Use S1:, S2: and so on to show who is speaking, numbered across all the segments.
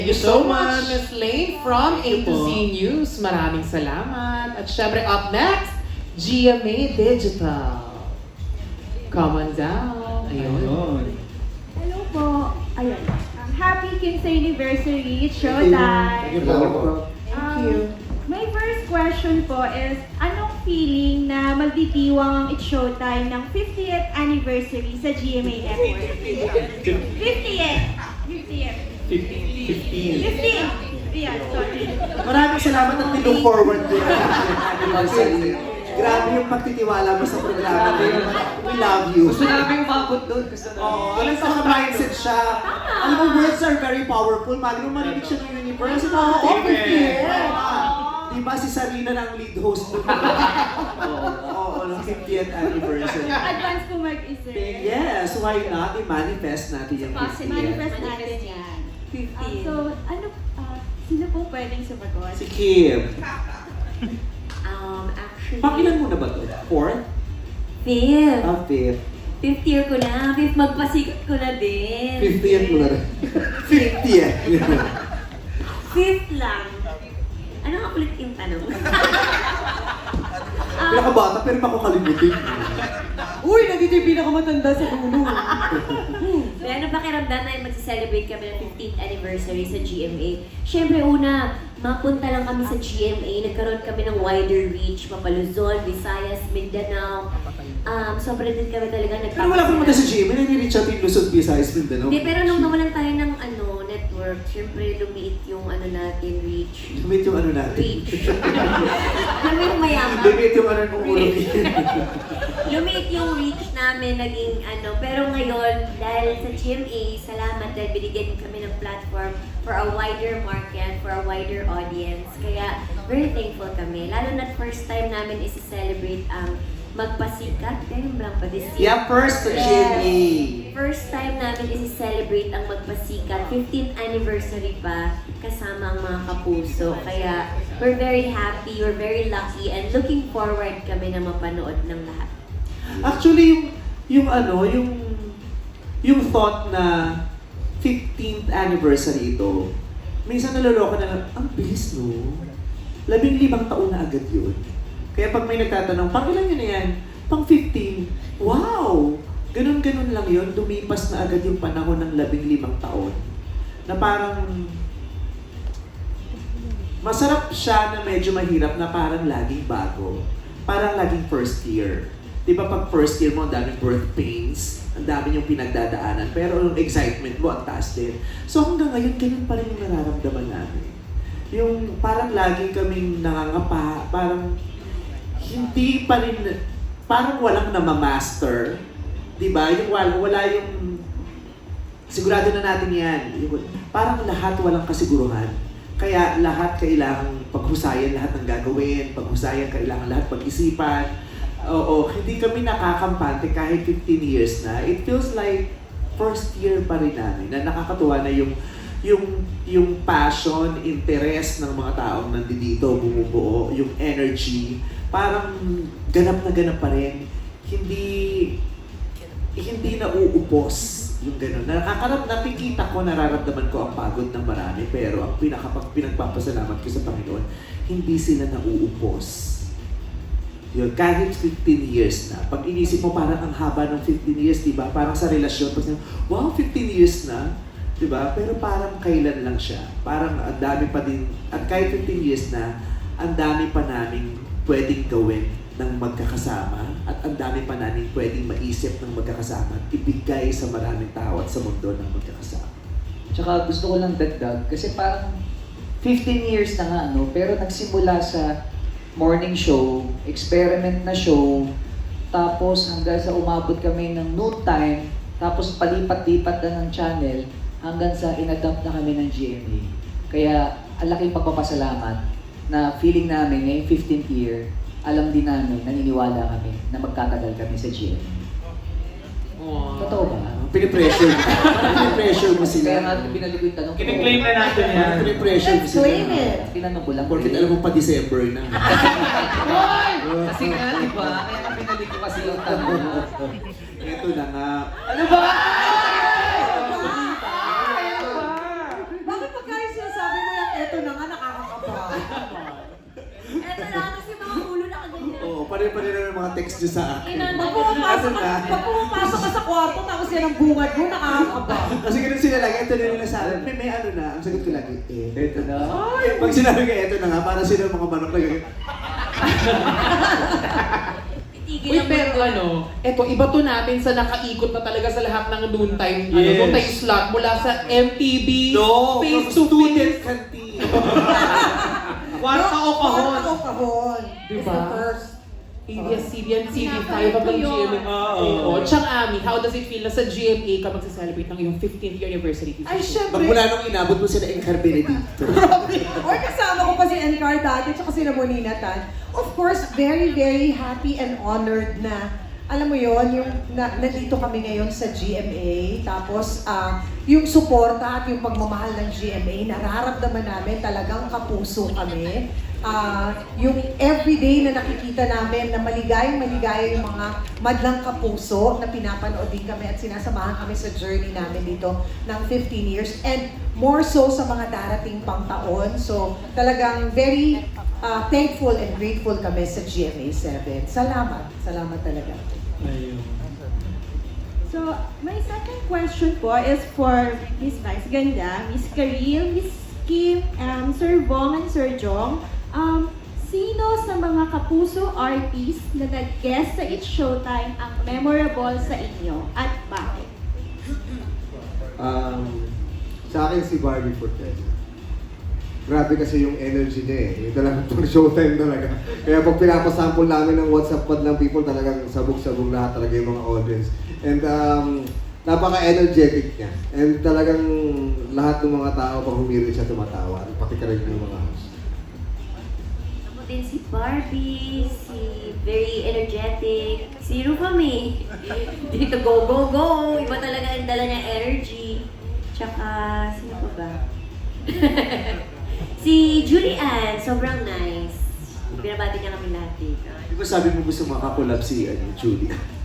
S1: Thank you so much, Ms. Lane from A to Z News. Maraming salamat. At syempre, up next, GMA Digital. Come on down. Ayun.
S2: Hello po. Ayun. Happy King's Anniversary. It's showtime.
S1: Thank you.
S2: My first question po is, anong feeling na magditiwang ang It's Showtime ng 50th anniversary sa GMA Network? 50th! 50th! 15! Yeah, sorry.
S3: Maraming salamat at we look forward to your anniversary. Grabe yung pagtitiwala mo sa programa na yun. We love you.
S4: Gusto namin umabot doon. Gusto namin.
S3: Alam sa mindset siya. Alam mo, words are very powerful. Mali mo marinig siya ng universe. Diba si Sarina ng lead host doon? Oo, ng 50th anniversary.
S2: Advance po mag-isip.
S3: Yes, why not? I-manifest natin yung 50th.
S2: Manifest natin yan. 50. Sino po pwedeng sumagot?
S3: Si Kim.
S5: Actually,
S3: Pakilan mo na ba ito? Fourth?
S5: fifth.
S3: Fifth.
S5: Fifth year ko na. Fifth magpasikot ko na din.
S3: 50th mo na rin. 50th.
S5: Fifth lang. Ano nga ulit yung tanong?
S3: Pinakabata pero makakalimutin.
S4: Uy, nandito yung pinakamatanda sa dulo.
S5: May ano ba kiramdam na mag-celebrate kami ng 15th anniversary sa GMA? Siyempre una, mapunta lang kami sa GMA, nagkaroon kami ng wider reach, Mapaluzon, Visayas, Mindanao. Sobrang din kami talaga
S3: Pero wala kang mata sa gym, may nire-reach out yung Luzon, Visayas, Mindanao.
S5: Hindi, pero nung nawalan tayo ng network, siyempre lumiit yung natin, reach.
S3: Lumit yung ano natin.
S5: Reach. Alam mo yung mayaman?
S3: Lumit yung ano kung ulo.
S5: Lumiit yung reach namin, naging pero ngayon, dahil sa GMA, salamat dahil binigyan kami ng platform for a wider market, for a wider audience. Kaya, very thankful kami. Lalo na first time namin isi-celebrate ang magpasikat. Ganyan lang pa this year.
S3: Yeah, first to GMA.
S5: First time namin isi-celebrate ang magpasikat. 15th anniversary pa, kasama ang mga kapuso. Kaya, we're very happy, we're very lucky, and looking forward kami na mapanood ng lahat.
S3: Actually, yung thought na 15th anniversary ito, minsan naloloko na, ang bilis no? 15 taon na agad yun. Kaya pag may nagtatanong, pang ilan yun na yan? Pang 15. Wow! Ganun-ganun lang yun. Lumipas na agad yung panahon ng 15 taon. Na parang masarap siya na medyo mahirap na parang laging bago. Parang laging first year. Di ba pag first year mo, ang daming birth pains, ang dami yung pinagdadaanan, pero yung excitement mo, ang taas din. So hanggang ngayon, ganun pa rin yung nararamdaman namin. Yung parang lagi kaming nangangapa, parang hindi pa rin, parang walang namamaster. Di ba? Yung wala yung, sigurado na natin yan. Yung, parang lahat walang kasiguruhan. Kaya lahat kailangang paghusayan lahat ng gagawin, paghusayan kailangan lahat pag-isipan. Oo, hindi kami nakakampante kahit 15 years na. It feels like first year pa rin namin na nakakatuwa na yung passion, interest ng mga taong nandito, bumubuo, yung energy, parang ganap pa rin. Hindi nauupos yung gano'n. Nakikita ko, nararamdaman ko ang pagod ng marami, pero ang pinagpapasalamat ko sa Panginoon, hindi sila nauupos. Yun, kahit 15 years na. Pag inisip mo parang ang haba ng 15 years, di ba? Parang sa relasyon, pag wow, 15 years na, di ba? Pero parang kailan lang siya. Parang ang dami pa din, at kahit 15 years na, ang dami pa namin pwedeng gawin ng magkakasama, at ang dami pa namin pwedeng maisip ng magkakasama at ibigay sa maraming tao at sa mundo ng magkakasama.
S4: Tsaka gusto ko lang dagdag, kasi parang 15 years na nga, pero nagsimula sa morning show, experiment na show, tapos hanggang sa umabot kami ng noon time, tapos palipat-lipat na ng channel, hanggang sa inadapt na kami ng GMA. Kaya, ang laking pagpapasalamat na feeling namin ngayong 15th year, alam din namin, naniniwala kami na magtatagal kami sa GMA. Totoo ba?
S3: Pinipressure. Pinipressure mo sila.
S4: Kaya nga binalik ko yung tanong ko.
S1: Kiniklaim na natin yan.
S3: Pinipressure mo sila.
S5: Claim it!
S4: Tinanong ko lang.
S3: Porkit alam mo pa December na.
S4: Kasi nga, di ba? Kaya binalik ko kasi yung tanong.
S3: Ito na nga.
S4: Ano ba?
S2: Bakit pagkain
S3: pa rin yung mga text nyo sa akin.
S6: Pag pumapasok ka sa kwarto, tapos yan ang bungad mo, nakakaba.
S3: Kasi ganun sila lagi, ito na nila sa akin. May ano na, ang sagot ko lagi,
S4: Ito na.
S3: Pag sinabi ko, ito na nga, para sila mga manok na ganyan.
S1: Uy, pero eto, iba to natin sa nakaikot na talaga sa lahat ng noontime,
S3: Yes.
S1: noontime slot mula sa MTV, face to
S3: student
S1: face.
S3: canteen.
S1: Kwarta o kahon.
S6: Kahon.
S1: Diba?
S6: It's the first.
S1: ABS-CBN, TV5 hanggang GMA. Oo. Tsang Ami, how does it feel na sa GMA ka magsa-celebrate ng iyong 15th year anniversary?
S6: Ay, syempre.
S3: Magmula nung inabot mo sila Encar Benedicto.
S6: Or kasama ko pa si Encar dati, tsaka si Ramonina Tan. Of course, very, very happy and honored na, alam mo yon yung nandito kami ngayon sa GMA. Tapos, yung suporta at yung pagmamahal ng GMA, nararamdaman namin talagang kapuso kami. Yung everyday na nakikita namin na maligayang-maligaya yung mga madlang kapuso na pinapanood din kami at sinasamahan kami sa journey namin dito ng 15 years and more so sa mga darating pang taon. So talagang very thankful and grateful kami sa GMA 7. Salamat. Salamat talaga.
S2: So, my second question po is for Miss Vice Ganda, Miss Karil, Miss Kim, Sir Bong, and Sir Jong. Sino sa mga kapuso artists na nag-guest sa It's Showtime ang memorable sa inyo at bakit?
S7: Sa akin si Barbie Fortes. Grabe kasi yung energy niya eh. Yung talagang pang showtime talaga. Kaya pag pinapasample namin ng WhatsApp pod ng people, talagang sabog-sabog lahat talaga yung mga audience. And napaka-energetic niya. And talagang lahat ng mga tao pag humiri siya tumatawa. Pati ka rin yung mga host.
S5: Ako din si Barbie, si very energetic, si Rufami. Dito go, go, go! Iba talaga ang dala niya energy. Tsaka, sino pa ba? Si Julian, sobrang nice. Binabati niya kami lahat dito.
S3: Di ba sabi mo gusto makakolab si Julie?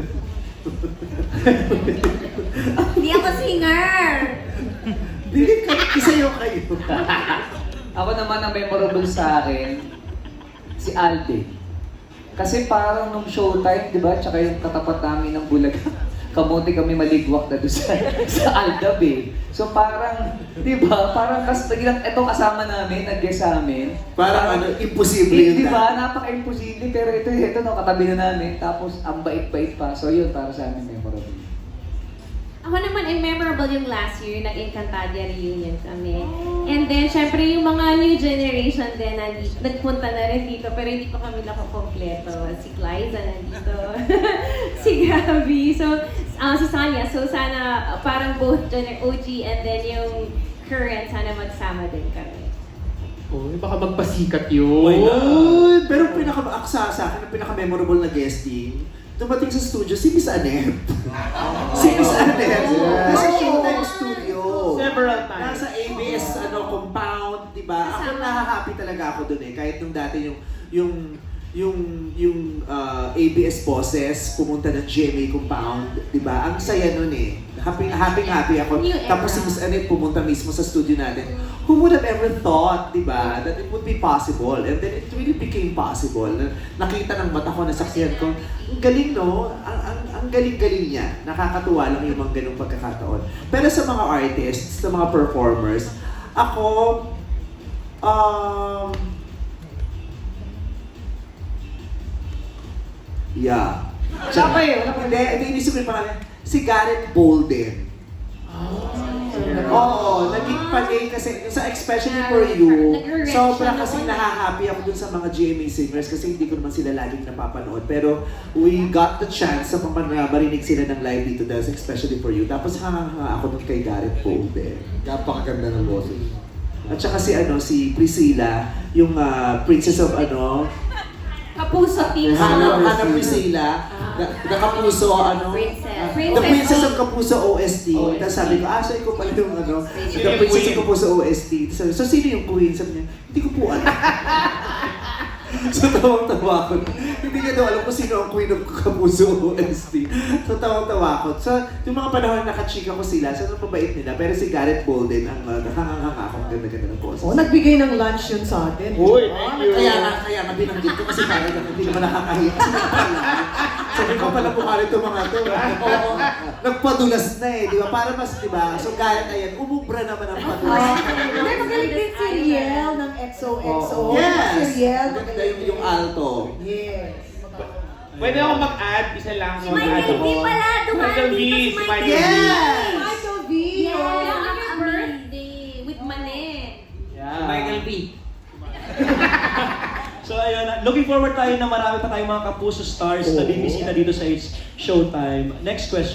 S5: Hindi ako singer!
S3: Hindi, isayo kayo.
S4: Ako naman ang memorable sa akin, si Alden. Kasi parang nung showtime, di ba? Tsaka yung katapat namin ng Bulaga, kamote kami maligwak na doon sa Aldab eh. So parang, di ba? Parang itong kasama namin, nag-guest sa amin.
S3: Parang imposible yun.
S4: Di ba? Napaka-imposible. Pero ito no, katabi na namin. Tapos ang bait-bait pa. So yun, para sa amin memorable.
S8: Ako naman ay memorable yung last year, nag-Encantadia reunion kami. And then, syempre yung mga new generation din, nagpunta na rin dito, pero hindi pa kami nakakompleto. Si Clyza nandito, si Gabby, so si Sonia. So sana parang both OG and then yung current, sana magsama din kami.
S1: Uy, baka magpasikat yun.
S3: Why not? Pero sa akin, ang pinaka-memorable na guesting, dumating sa studio si Miss Annette. Si Miss Annette. Nasa Showtime Studio.
S1: Several times.
S3: Nasa ABS compound, di ba? Ako nahahappy talaga ako dun eh. Kahit nung dati yung ABS bosses pumunta ng GMA compound, di ba? Ang saya nun eh. Happy ako.
S8: New era.
S3: Tapos si Miss Annette pumunta mismo sa studio natin. Who would have ever thought, di ba, that it would be possible? And then it really became possible. Nakita ng mata ko, nasaksihan ko. Ang galing, no? Ang galing-galing niya. Nakakatuwa lang yung mga ganung pagkakataon. Pero sa mga artists, sa mga performers, ako, yeah.
S6: Wala pa eh, wala pa.
S3: Hindi, inisip ko yung pangalan. Si Gareth Bolden. Oo, naging panay kasi, especially for you,
S8: nag-react
S3: sobra
S8: siya
S3: kasi
S8: naman.
S3: nahahappy ako dun sa mga GMA singers kasi hindi ko naman sila laging napapanood. Pero we got the chance sa marinig sila ng live dito dahil especially for you. Tapos hanga ako dun kay Gareth Bolden.
S7: Napakaganda ng boses.
S3: At saka si Priscilla, yung princess of
S8: Kapuso team.
S3: Hannah Priscilla, the Kapuso,
S8: Princess.
S3: the Princess of Kapuso OST. Tapos sabi ko, so ikaw pala yung the Princess of Kapuso OST. So sino yung queen? Sabi niya, hindi ko po alam. So tawang-tawa ko. Hindi niya daw alam kung sino ang Queen of Kapuso OST. So tawang-tawa ko. So yung mga panahon nakachika ko sila, so mabait nila. Pero si Gareth Bolden ang nakanganga ako. Ang ganda-ganda ng boses.
S6: Oh, nagbigay ng lunch yun sa atin.
S9: Uy, thank you.
S3: Kaya nga binanggit ko kasi parang hindi naman nakakahiya. Sabi ko pala bukali itong mga to. Oo, nagpadulas na eh, di ba? Para mas, di ba? So Gareth, ayan, umubra naman ang padulas.
S6: Hindi, magaling din si Riel ng XOXO.
S3: Yes!
S6: Si Riel,
S3: Maganda yung alto.
S6: Yes.
S9: Pwede ako mag-add, isa lang.
S5: Si Michael V pala, dumaan
S9: Michael V,
S5: dito si
S9: si
S5: Michael V.
S3: Yes!
S6: Michael V.
S5: Yes!
S8: Yung
S5: Ang
S8: your birthday with Mane.
S4: Yeah. Michael B.
S10: So ayun, looking forward tayo na marami pa tayong mga Kapuso stars na bibisita dito sa Showtime. Next question.